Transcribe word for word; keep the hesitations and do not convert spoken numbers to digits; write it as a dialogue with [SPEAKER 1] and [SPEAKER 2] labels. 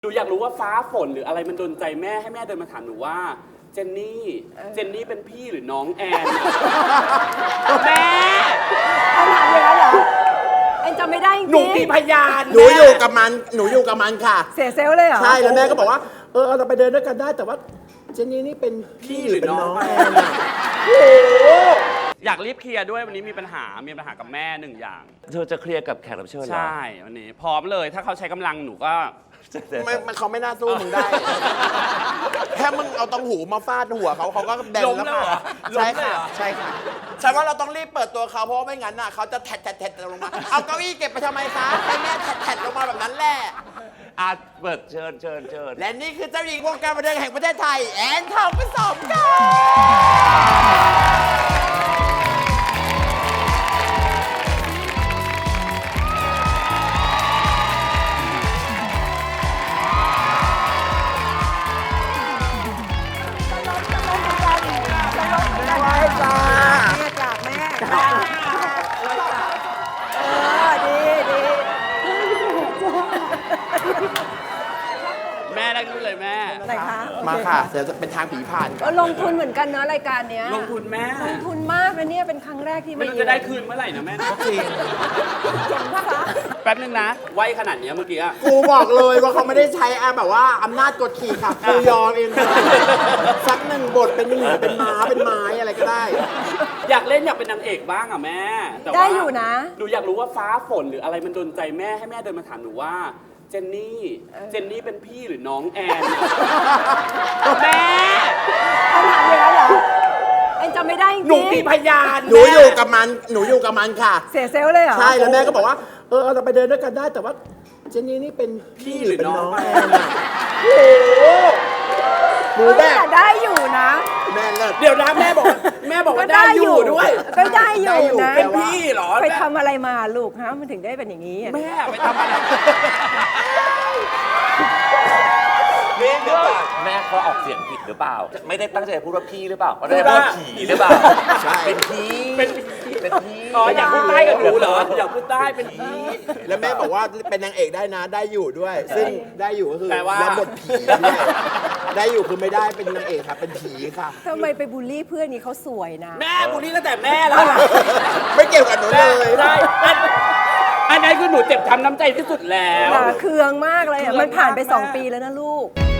[SPEAKER 1] หนูอยากรู้ว่าฟ้าฝนหรืออะไรมันโดนใจแม่ให้แม่เดินมาถามหนูว่าเจนนี่เจนนี่เป็นพี่หรือน้องแอนแม่
[SPEAKER 2] เอาถามอย่างนั้นเหรอแอนจำไม่ได้จริง
[SPEAKER 1] หนูมีพยาน
[SPEAKER 3] หนูอยู่กับมันหนูอยู่กับมันค่ะ
[SPEAKER 2] เสียเซลลเลยเหรอ
[SPEAKER 3] ใช่แล้วแม่ก็บอกว่าเออเราไปเดินด้วยกันได้แต่ว่าเจนนี่นี่เป็นพี่หรือเป็นน้องแอนอะ
[SPEAKER 1] อยากรีบเคลียร์ด้วยวันนี้มีปัญหามีปัญหากับแม่หนึ่งอย่าง
[SPEAKER 4] เธอจะเคลียร์กับแขกรับเชิญเหรอ
[SPEAKER 1] ใช่วันนี้พร้อมเลยถ้าเขาใช้กำลังหนูก็
[SPEAKER 3] ไม่มันเขาไม่น่าสู้มึงได้ แค่มึงเอาตองหูมาฟาดหัวเขาเขาก็แบน
[SPEAKER 1] ล้ม
[SPEAKER 3] แล้ว
[SPEAKER 1] เลยเหรอ
[SPEAKER 3] ค่ะ
[SPEAKER 1] ล้
[SPEAKER 3] ใช่
[SPEAKER 1] มเลย
[SPEAKER 3] ค่ะ
[SPEAKER 1] เหรอ
[SPEAKER 3] ใช่ค่ะฉันว่าเราต้องรีบเปิดตัวเขาเพราะว่าไม่งั้นน่ะเขาจะแทดแทดแทดลงมาเอาเก้าอี้เก็บไปทำไมคะให้แม่แทดแทดลงมาแบบนั้นแหละ
[SPEAKER 4] อาเปิดเชิญเชิญเชิญ
[SPEAKER 3] และนี่คือเจ้าหญิงวงการบันเทิงแห่งประเทศไทยแอนทองผสมค่ะไหว้จ้า
[SPEAKER 2] แม่จากแม่เออดีดี
[SPEAKER 1] แม่ได้รู้เลยแม่
[SPEAKER 2] อะไรคะ
[SPEAKER 3] มาค่ะเดี๋ยวจะเป็นทางผีผ่าน
[SPEAKER 2] ก็ลงทุนเหมือนกันเนอะรายการเนี้ย
[SPEAKER 1] ลงทุนแม่
[SPEAKER 2] ลงทุนมากนะเนี่ยเป็นครั้งแรกที่
[SPEAKER 1] ไม่รู้จะได้คืนเมื่อไหร่นะแม่นะ
[SPEAKER 3] จริง
[SPEAKER 1] แป๊บนึงนะไวขนาดเนี้ยเมื่อกี้อะ
[SPEAKER 3] กูบอกเลยว่าเขาไม่ได้ใช้อ่ะแบบว่าอำนาจกดขี่ค่ะกูยอมเองค่ะสักหนึ่งบทเป็นหมีเป็นม้าเป็นไม้อะไรก็ได้
[SPEAKER 1] อยากเล่นอยากเป็นนางเอกบ้างอ่ะแม่แต่ว่า
[SPEAKER 2] ได้อยู่นะ
[SPEAKER 1] หนูอยากรู้ว่าฟ้าฝนหรืออะไรมันโดนใจแม่ให้แม่เดินมาถามหนูว่าเจนนี่เจนนี่เป็นพี่หรือน้องแอนแม่
[SPEAKER 2] เอาถามอย่างนั้นเหรอแอนจำไม่ได้จริง
[SPEAKER 1] หนูมีพยาน
[SPEAKER 3] หนูอยู่กับมันหนูอยู่กับมันค่ะ
[SPEAKER 2] เสียเซลลเลยเหรอ
[SPEAKER 3] ใช่แล้วแม่ก็บอกว่าเออเราไปเดินด้วยกันได้แต่ว่าเจนนี่นี่เป็นพี่หรือเป็นน้องแอนอะโอ้โหหนู
[SPEAKER 2] เฮ้ย
[SPEAKER 3] แบบ
[SPEAKER 2] แต่ได้อยู่นะ
[SPEAKER 3] แม่เลิศ
[SPEAKER 1] เดี๋ยวนะแม่บอกแม่บอกว่าได้อยู่ด้วย
[SPEAKER 2] ก็ได้อยู่นะ
[SPEAKER 1] เป็นพี่เหรอ
[SPEAKER 2] ไปทำอะไรมาลูกฮะมันถึงได้เป็นอย่างนี้อะ
[SPEAKER 1] แม่ไปทำอะไร
[SPEAKER 4] นี่เดี๋ยวก่อนแม่เขาออกเสียงผิดหรือเปล่า ไม่ได้ตั้งใจพูดว่าพี่หรือเปล่าเขาได้พูดว่าผีหรือเปล่า
[SPEAKER 3] ใช่
[SPEAKER 4] เป็นพี่
[SPEAKER 1] เป็น
[SPEAKER 4] เป็นพี่
[SPEAKER 1] อ๋ออยากพูดใต้กับหนูเหรออยากพูดใต้เป็นพี่
[SPEAKER 3] แล้วแม่บอกว่าเป็นนางเอกได้นะได้อยู่ด้วย ซึ่งได้อยู่ก็คือ
[SPEAKER 1] แปลว่า
[SPEAKER 3] รับบทผีด้วยได้อยู่คือไม่ได้เป็นนางเอกค่ะเป็นผีค่ะ
[SPEAKER 2] ทำไมไปบูลลี่เพื่อนนี้เขาสวยนะ
[SPEAKER 1] แม่บุรีตั้งแต่แม่แล้ว
[SPEAKER 3] ไม่เกี่ยวกับหนูเลย
[SPEAKER 1] ใช่อันอันนั้นคือหนูเจ็บช้ำน้ำใจที่สุดแล้ว
[SPEAKER 2] ด่าเคืองมากเลยอ่ะ
[SPEAKER 1] เคือง
[SPEAKER 2] มันผ่านไป
[SPEAKER 1] มาก
[SPEAKER 2] สอง
[SPEAKER 1] แม่
[SPEAKER 2] ปีแล้วนะลูก